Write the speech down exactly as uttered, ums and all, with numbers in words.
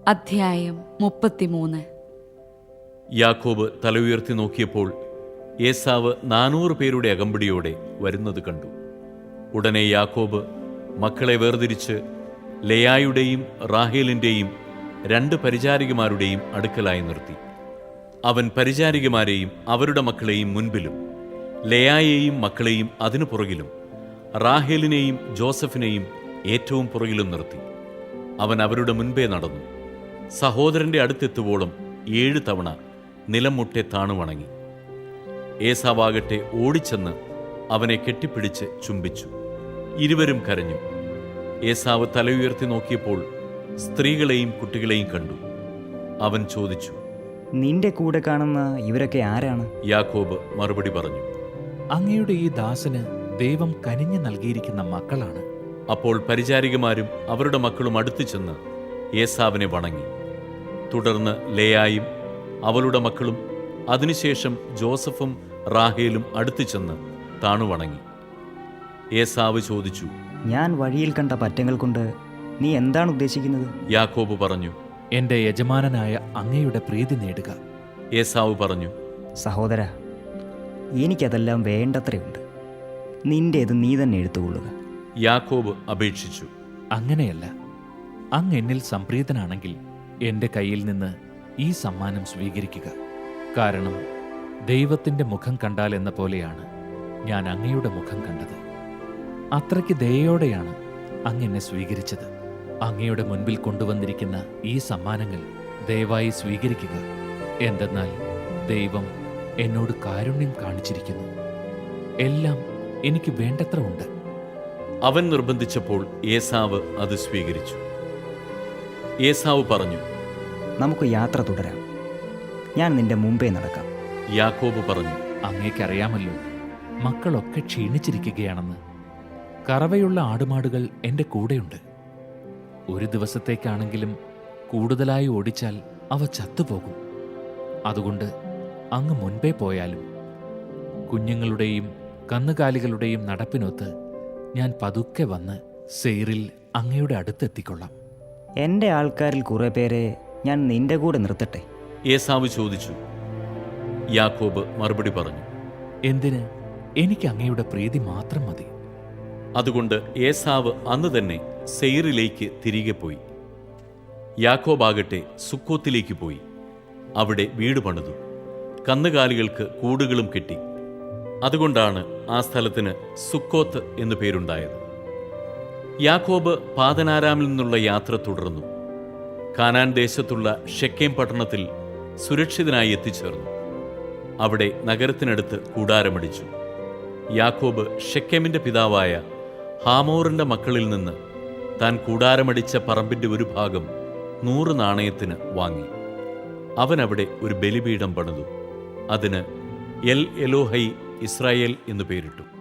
അധ്യായം മുപ്പത്തിമൂന്ന്. യാക്കോബ് തല ഉയർത്തി നോക്കിയപ്പോൾ ഏസാവ് നാനൂറ് പേരുടെ അകമ്പടിയോടെ വരുന്നത് കണ്ടു. ഉടനെ യാക്കോബ് മക്കളെ വേർതിരിച്ച് ലെയായുടെയും റാഹേലിൻ്റെയും രണ്ട് പരിചാരികമാരുടെയും അടുക്കലായി നിർത്തി. അവൻ പരിചാരികമാരെയും അവരുടെ മക്കളെയും മുൻപിലും ലെയായെയും മക്കളെയും അതിനു പുറകിലും റാഹേലിനെയും ജോസഫിനെയും ഏറ്റവും പുറകിലും നിർത്തി. അവൻ അവരുടെ മുൻപേ നടന്നു. സഹോദരന്റെ അടുത്തെത്തുവോളം ഏഴ് തവണ നിലം മുട്ടെ താണു വണങ്ങി. ഏസാവാകട്ടെ ഓടിച്ചെന്ന് അവനെ കെട്ടിപ്പിടിച്ച് ചുംബിച്ചു. ഇരുവരും കരഞ്ഞു. ഏസാവ് തല ഉയർത്തി നോക്കിയപ്പോൾ സ്ത്രീകളെയും കുട്ടികളെയും കണ്ടു. അവൻ ചോദിച്ചു, നിന്റെ കൂടെ കാണുന്ന ഇവരൊക്കെ ആരാണ്? യാക്കോബ് മറുപടി പറഞ്ഞു, അങ്ങയുടെ ഈ ദാസന് ദൈവം കനിഞ്ഞു നൽകിയിരിക്കുന്ന മക്കളാണ്. അപ്പോൾ പരിചാരികമാരും അവരുടെ മക്കളും അടുത്തു ചെന്ന് ഏസാവിനെ വണങ്ങി. തുടർന്ന് ലേയായും അവളുടെ മക്കളും അതിനുശേഷം ജോസഫും റാഹേലും അടുത്തു ചെന്ന് താണുവണങ്ങി. ഏസാവ് ചോദിച്ചു, ഞാൻ വഴിയിൽ കണ്ട പറ്റങ്ങൾ കൊണ്ട് നീ എന്താണ് ഉദ്ദേശിക്കുന്നത്? യാക്കോബ് പറഞ്ഞു, എൻ്റെ യജമാനനായ അങ്ങയുടെ പ്രീതി നേടുക. ഏസാവ് പറഞ്ഞു, സഹോദര, എനിക്കതെല്ലാം വേണ്ടത്രയുണ്ട്. നിന്റേത് നീ തന്നെ എടുത്തുകൊള്ളുക. യാക്കോബ് അപേക്ഷിച്ചു, അങ്ങനെയല്ല, അങ്ങ് എന്നിൽ സംപ്രീതനാണെങ്കിൽ എൻ്റെ കയ്യിൽ നിന്ന് ഈ സമ്മാനം സ്വീകരിക്കുക. കാരണം ദൈവത്തിൻ്റെ മുഖം കണ്ടാൽ എന്ന പോലെയാണ് ഞാൻ അങ്ങയുടെ മുഖം കണ്ടത്. അത്രയ്ക്ക് ദയോടെയാണ് അങ്ങ് എന്നെ സ്വീകരിച്ചത്. അങ്ങയുടെ മുൻപിൽ കൊണ്ടുവന്നിരിക്കുന്ന ഈ സമ്മാനങ്ങൾ ദയവായി സ്വീകരിക്കുക. എന്തെന്നാൽ ദൈവം എന്നോട് കാരുണ്യം കാണിച്ചിരിക്കുന്നു. എല്ലാം എനിക്ക് വേണ്ടത്ര ഉണ്ട്. അവൻ നിർബന്ധിച്ചപ്പോൾ ഏസാവ് അത് സ്വീകരിച്ചു. ഏസാവ് പറഞ്ഞു, നമുക്ക് യാത്ര തുടരാം. ഞാൻ നിന്റെ മുമ്പേ നടക്കാം. യാക്കോബ് പറഞ്ഞു, അങ്ങേക്കറിയാമല്ലോ മക്കളൊക്കെ ക്ഷീണിച്ചിരിക്കുകയാണെന്ന്. കറവയുള്ള ആടുമാടുകൾ എൻ്റെ കൂടെയുണ്ട്. ഒരു ദിവസത്തേക്കാണെങ്കിലും കൂടുതലായി ഓടിച്ചാൽ അവ ചത്തുപോകും. അതുകൊണ്ട് അങ്ങ് മുൻപേ പോയാലും കുഞ്ഞുങ്ങളുടെയും കന്നുകാലികളുടെയും നടപ്പിനൊത്ത് ഞാൻ പതുക്കെ വന്ന് സെയിരിൽ അങ്ങയുടെ അടുത്തെത്തിക്കൊള്ളാം. എൻ്റെ ആൾക്കാരിൽ കുറെ പേരെ ഞാൻ നിന്റെ കൂടെ നിർത്തട്ടെ? ഏസാവ് ചോദിച്ചു. യാക്കോബ് മറുപടി പറഞ്ഞു, എന്തിന്? എനിക്ക് അങ്ങയുടെ പ്രീതി മാത്രം മതി. അതുകൊണ്ട് ഏസാവ് അന്ന് തന്നെ സെയിരിലേക്ക് തിരികെ പോയി. യാക്കോബാകട്ടെ സുക്കോത്തിലേക്ക് പോയി. അവിടെ വീട് പണിതു, കന്നുകാലികൾക്ക് കൂടുകളും കെട്ടി. അതുകൊണ്ടാണ് ആ സ്ഥലത്തിന് സുക്കോത്ത് എന്നു പേരുണ്ടായത്. യാക്കോബ് പാദനാരാമിൽ നിന്നുള്ള യാത്ര തുടർന്നു. കാനാൻ ദേശത്തുള്ള ഷെക്കേം പട്ടണത്തിൽ സുരക്ഷിതനായി എത്തിച്ചേർന്നു. അവിടെ നഗരത്തിനടുത്ത് കൂടാരമടിച്ചു. യാക്കോബ് ഷെക്കേമിന്റെ പിതാവായ ഹാമോറിന്റെ മക്കളിൽ നിന്ന് താൻ കൂടാരമടിച്ച പറമ്പിന്റെ ഒരു ഭാഗം നൂറ് നാണയത്തിന് വാങ്ങി. അവനവിടെ ഒരു ബലിപീഠം പണിതു. അതിന് എൽ എലോഹൈ ഇസ്രായേൽ എന്നു പേരിട്ടു.